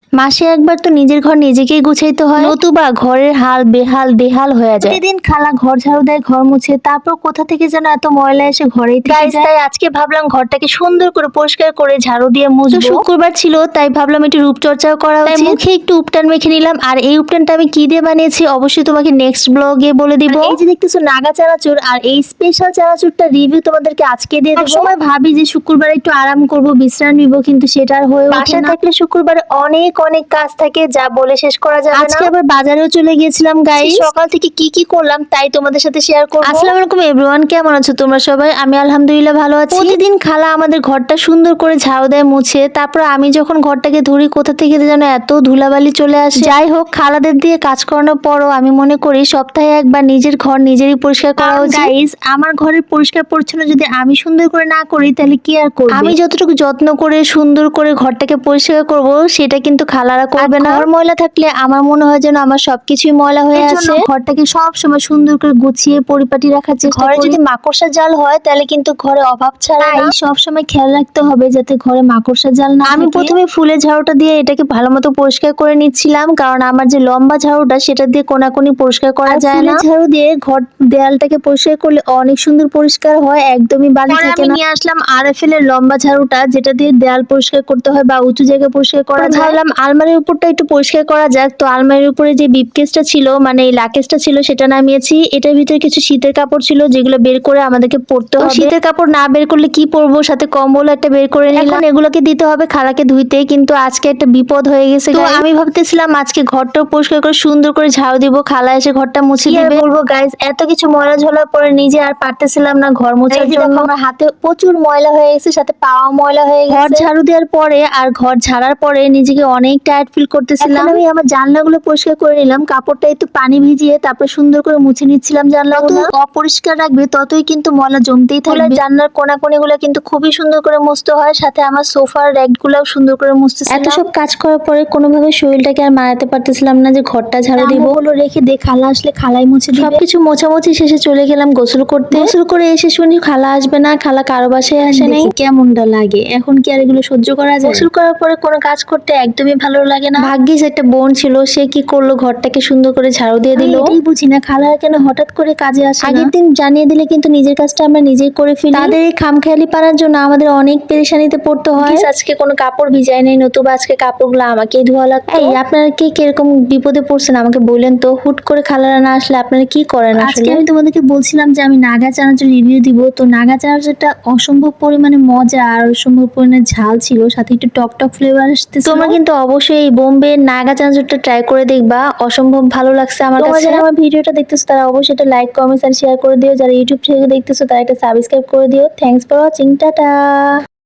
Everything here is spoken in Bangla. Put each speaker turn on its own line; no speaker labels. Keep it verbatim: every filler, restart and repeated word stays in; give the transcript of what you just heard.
মাসে একবার তো নিজের ঘর নিজেকেই গুছাইতে হয়, নতুবা ঘরের হাল বেহাল বেহাল হয়ে যায়। প্রতিদিন খালা ঘর ঝাড়ু দেয়, ঘর মুছে, তারপর কোথা থেকে যেন এত ময়লা এসে ঘরেই থেকে যায়। তাই আজকে ভাবলাম ঘরটাকে সুন্দর করে পরিষ্কার করে ঝাড়ু দিয়ে মুছবো। শুক্রবার ছিল তাই ভাবলাম একটু রূপচর্চাও করা উচিত। মুখে একটু উপটান মেখে নিলাম। আর এই উপটানটা আমি কি দিয়ে বানিয়েছি অবশ্যই তোমাকে নেক্সট ব্লগে বলে দিব। এই যে দেখতেছো নাগা চানাচুর, আর এই স্পেশাল চানাচুরটা রিভিউ তোমাদেরকে আজকে দিয়ে দেব। সময় ভাবি যে শুক্রবারে একটু আরাম করব, বিশ্রাম নিব, কিন্তু সেটা আর হয়ে ওঠে না। বাসায় থাকলে শুক্রবারে অনেক অনেক কাজ থাকে, যা বলে শেষ করা যাবে না। আজকে আবার বাজারেও চলে গিয়েছিলাম গাইস। সকাল থেকে কি কি করলাম তাই তোমাদের সাথে শেয়ার করব। আসসালামু আলাইকুম এভরিওয়ান, কেমন আছো তোমরা সবাই? আমি আলহামদুলিল্লাহ ভালো আছি। প্রতিদিন খালা আমাদের ঘরটা সুন্দর করে ঝাড়ু দেয়, মুছে, তারপর আমি যখন ঘরটাকে ধরি কোথা থেকে যেন এত ধুলাবালি চলে আসে। যাই হোক, খালাদের দিয়ে কাজ করানোর পরও আমি মনে করি সপ্তাহে একবার নিজের ঘর নিজেরই পরিষ্কার করা উচিত। গাইস, আমার ঘরের পরিষ্কার পরিচ্ছন্ন যদি আমি সুন্দর করে না করি তাহলে কি আর করব? আমি যতটুকু যত্ন করে সুন্দর করে ঘরটাকে পরিষ্কার করব সেটা কিন্তু খালারা করবে না। ঘর ময়লা থাকলে আমার মনে হয় যেন আমার সবকিছুই ময়লা হয়ে আছে। ঘরটাকে সব সময় সুন্দর করে গুছিয়ে পরিপাটি রাখার চেষ্টা করি। ঘরে যদি মাকড়সা জাল হয় তাহলে কিন্তু ঘরে অভাব ছাড়া না। সব সময় খেয়াল রাখতে হবে যাতে ঘরে মাকড়সা জাল না থাকে। আমি প্রথমে ফুলের ঝাড়ুটা দিয়ে এটাকে ভালো মতো পরিষ্কার করে নিচ্ছিলাম, কারণ আমার যে লম্বা ঝাড়ুটা সেটা দিয়ে কোনাকুনি পরিষ্কার করা যায় না। ঝাড়ু দিয়ে ঘর দেয়ালটাকে পরিষ্কার করলে অনেক সুন্দর পরিষ্কার হয়, একদমই বালি থাকে না। নিয়ে আসলাম আরএফএল এর লম্বা ঝাড়ুটা, যেটা দিয়ে দেয়াল পরিষ্কার করতে হয় বা উঁচু জায়গা পরিষ্কার করা যায়। ভাবলাম আলমারির উপরটা একটু পরিষ্কার করা যাক, তো আলমারির উপরে যে বিপকেসটা ছিল, মানে এই লাকেজটা ছিল, সেটা নামিয়েছি। এটার ভিতরে কিছু শীতের কাপড় ছিল যেগুলো বের করে আমাদেরকে পরতে হবে। শীতের কাপড় না বের করলে কি পরবো, সাথে কম্বল একটা বের করে নিলাম। এগুলোকে দিতে হবে খালাকে ধুইতে, কিন্তু আজকে একটা বিপদ হয়ে গেছে। তো আমি ভাবতেছিলাম আজকে ঘরটা পরিষ্কার করে সুন্দর করে ঝাড়ু দিব, খালা এসে ঘরটা মুছে দিবে। বলবো গাইস, এত কিছু ময়লা ঝোলার পরে নিজে আর পারতেছিলাম না ঘর মোছার জন্য। আমার হাতে প্রচুর ময়লা হয়ে গেছে, সাথে পাওয়া ময়লা হয়ে গেছে। ঘর ঝাড়ু দেওয়ার পরে আর ঘর ঝাড়ার পরে নিজেকে অনেক টায়ার্ড ফিল করতেছিলাম। আমি আমার জানলাগুলো পরিষ্কার করে নিলাম, কাপড়টা একটু পানি ভিজিয়ে তারপর সুন্দর করে মুছে নিচ্ছিলাম জানলাগুলো। অপরিষ্কার রাখবে ততই কিন্তু ময়লা জমতেই থাকবে। জানলার কোনাকুনিগুলো কিন্তু খুবই সুন্দর করে মুছতে হয়, সাথে আমার সোফার র্যাকগুলোও সুন্দর করে মুছতেছিলাম। এত সব কাজ করার পরে কোনোভাবে শরীরটাকে আর মারাতে পারতেছিলাম না যে ঘরটা ঝাড়ু দিব। ওগুলো রেখে দে, খালা আসলে খালাই মুছে দিবে। সবকিছু মোছামুছি শেষে চলে গেলাম গোসল করতে। গোসল করে এসে শুনি খালা আসবে না, খালা কারো বাসায় আসে নাই। কেমনটা লাগে এখন, কি আর এগুলো সহ্য করা যায়? গোসল করার পরে কোনো কাজ করতে একদমই ভালো লাগে না। ভাগ্যিস একটা বোন ছিল, সে কি করলো, ঘরটাকে সুন্দর করে ঝাড়ু দিয়ে দিল। এটাই বুঝি না খালা কেন হঠাৎ করে কাজে আসে না। আগের দিন জানিয়ে দিলে কিন্তু নিজের কাজটা আমরা নিজেই করে ফেলি। তাদের এই খামখেয়ালি পারার জন্য আমাদের অনেক পেরেশানিতে পড়তে হয়। আজকে কোনো কাপড় ভিজাই নাই, নতুবা আজকে কাপড়গুলো আমাকেই ধোয়া লাগতো। এই আপনারা কে কিরকম বিপদে পড়ছেন আমাকে বললেন তো। হুট করে খালারা না আসলে আপনারা কি করেন? আজকে আমি তোমাদেরকে বলছিলাম যে আমি নাগা চানাচুর রিভিউ দিব, তো নাগা চানাচুরটা অসম্ভব পরিমাণে মজা আর অসম্ভব পরিমাণে ঝাল ছিল, সাথে একটু টক টক ফ্লেভার আসতেছিল। তোমরা কিন্তু অবশ্যই এই বোম্বে নাগা চানাচুরটা ট্রাই করে দেখবা, অসম্ভব ভালো লাগছে আমার কাছে। যারা আমার ভিডিওটা দেখতেছো তারা অবশ্যই এটা লাইক কমেন্টস আর শেয়ার করে দিও। যারা ইউটিউব থেকে দেখতেছো তারা একটা সাবস্ক্রাইব করে দিও। Thanks for watching, tata.